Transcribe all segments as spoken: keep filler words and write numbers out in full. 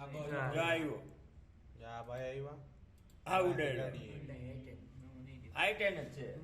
આવ્યો જા ભાઈ આવ્યા હા ઉડાડ્યો આઈ ટેન જ છે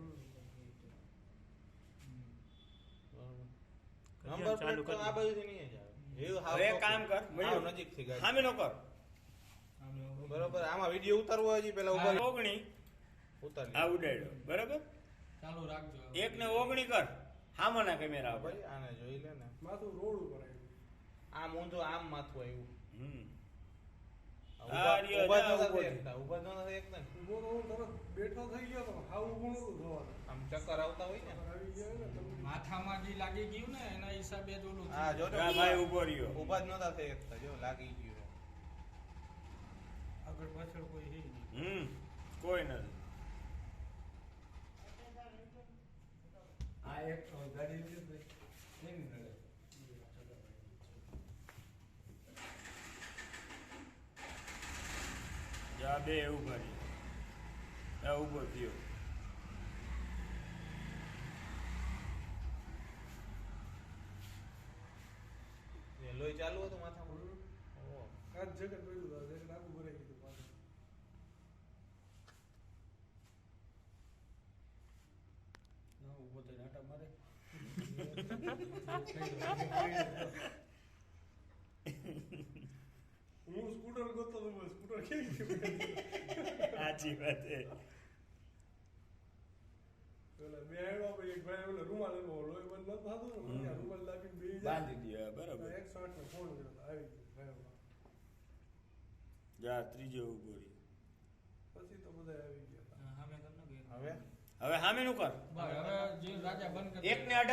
નંબર પ્લેટ તો આ બાજુથી નહીં જ આવે એવું હાવ હવે એક કામ કર હાવ નજીકથી ગાડી સામે નો કર બરોબર આમાં વિડિયો ઉતારવો હજી પેલા ઉપર ઓગણી ઉતારી આ ઉડાડ્યો બરાબર ચાલુ રાખજો એક ને ઓગણી કર સામાના કેમેરા ઉપર ભાઈ આને જોઈ લે ને માથું રોડ ઉપર આવ્યું આમ ઊંધું આમ માથું આવ્યું હમ ઉભા આ રહ્યો, ઉભા જા, નતા ઉભો એકતા, ઉભા નતા એકતા ને. ઊભો તો હું તરત બેઠો થઈ ગયો તો હાવ ઊભું નતું થવાનું આમ ચક્કર આવતા હોય ને આવી ગયા ને તમે માથામાં જે લાગી ગયું ને એના હિસાબે જ ઓલું હા જો આ ભાઈ ઉભો રહ્યો ઉભા જ નતા થઈ એકતા જો લાગી ગયું આગળ પાછળ કોઈ હે નહીં હમ કોઈ નથી આ એક ગાડી લીધી એની નડે જા બે ઉભા રહ્યો આ ઉભો થયો એ લોહી ચાલુ હતું માથામાં ઓહો. કાચ જગત પડ્યું હતું જગત આખું ભરાઈ ગયું પાછું ના ઉભો થઈને આટા મારે હું સ્કૂટર ગોતતો તો બસ સ્કૂટર કેવી ગયું સાચી વાત છે પેલા બે આવ્યા પછી એક ભાઈ ઓલા રૂમાલ એનો લોહી બંધ નતો થતું ને મને આ રૂમાલ લાગીને બેસી જાય બાંધી દે બરાબર એકસો આઠ નો ફોન કર્યો તો આવી ગયો ભાઈ જા ત્રીજો ઉભો રહ્યો પછી તો બધા આવી ગયા હતા હા મેં તમને હવે હવે સામે નું કર બસ હવે જે રાજા બંધ કરી એક ને અઢાર